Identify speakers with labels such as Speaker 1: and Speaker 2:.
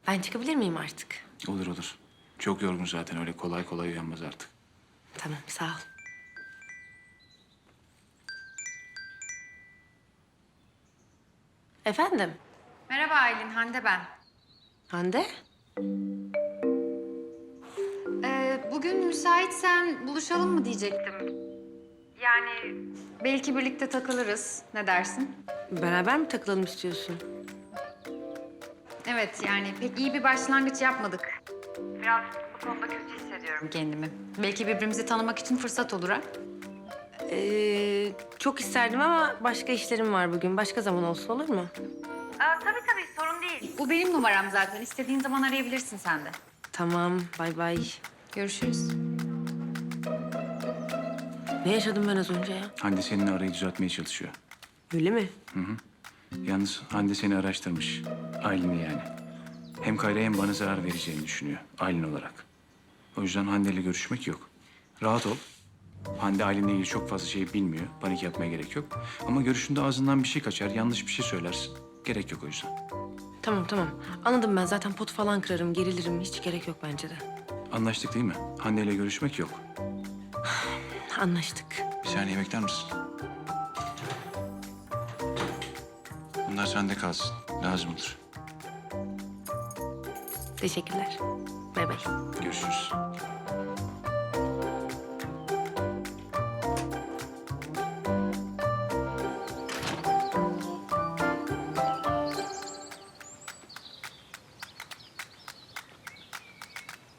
Speaker 1: Ben çıkabilir miyim artık?
Speaker 2: Olur olur. Çok yorgun zaten, öyle kolay kolay uyanmaz artık.
Speaker 1: Tamam, sağ ol. Efendim,
Speaker 3: Merhaba Aylin, Hande ben.
Speaker 1: Hande?
Speaker 3: Bugün müsaitsen buluşalım mı diyecektim. Yani belki birlikte takılırız. Ne dersin?
Speaker 1: Beraber mi takılalım istiyorsun?
Speaker 3: Evet, yani pek iyi bir başlangıç yapmadık. Biraz bu konuda kötü hissediyorum kendimi. Belki birbirimizi tanımak için fırsat olur ha?
Speaker 1: Çok isterdim ama başka işlerim var bugün. Başka zaman olsun, olur mu?
Speaker 3: Tabii, sorun değil. Bu benim numaram zaten. İstediğin zaman arayabilirsin sen de.
Speaker 1: Tamam, bay bay.
Speaker 3: Görüşürüz.
Speaker 1: Ne yaşadım ben az önce ya?
Speaker 2: Hande seninle arayı düzeltmeye çalışıyor.
Speaker 1: Öyle mi?
Speaker 2: Yalnız Hande seni araştırmış. Aylin'i yani. Hem Kayra'ya hem bana zarar vereceğini düşünüyor Aylin olarak. O yüzden Hande'yle görüşmek yok. Rahat ol. Hande Aylin'le ilgili çok fazla şey bilmiyor. Panik yapmaya gerek yok. Ama görüşünde ağzından bir şey kaçar, yanlış bir şey söylersin. Gerek yok o yüzden.
Speaker 1: Tamam. Anladım ben. Zaten pot falan kırarım, gerilirim. Hiç gerek yok bence de.
Speaker 2: Anlaştık değil mi? Hande'yle görüşmek yok.
Speaker 1: Anlaştık.
Speaker 2: Bir saniye bekler misin? Bunlar sende kalsın. Lazım olur.
Speaker 1: Teşekkürler. Bay bay.
Speaker 2: Görüşürüz.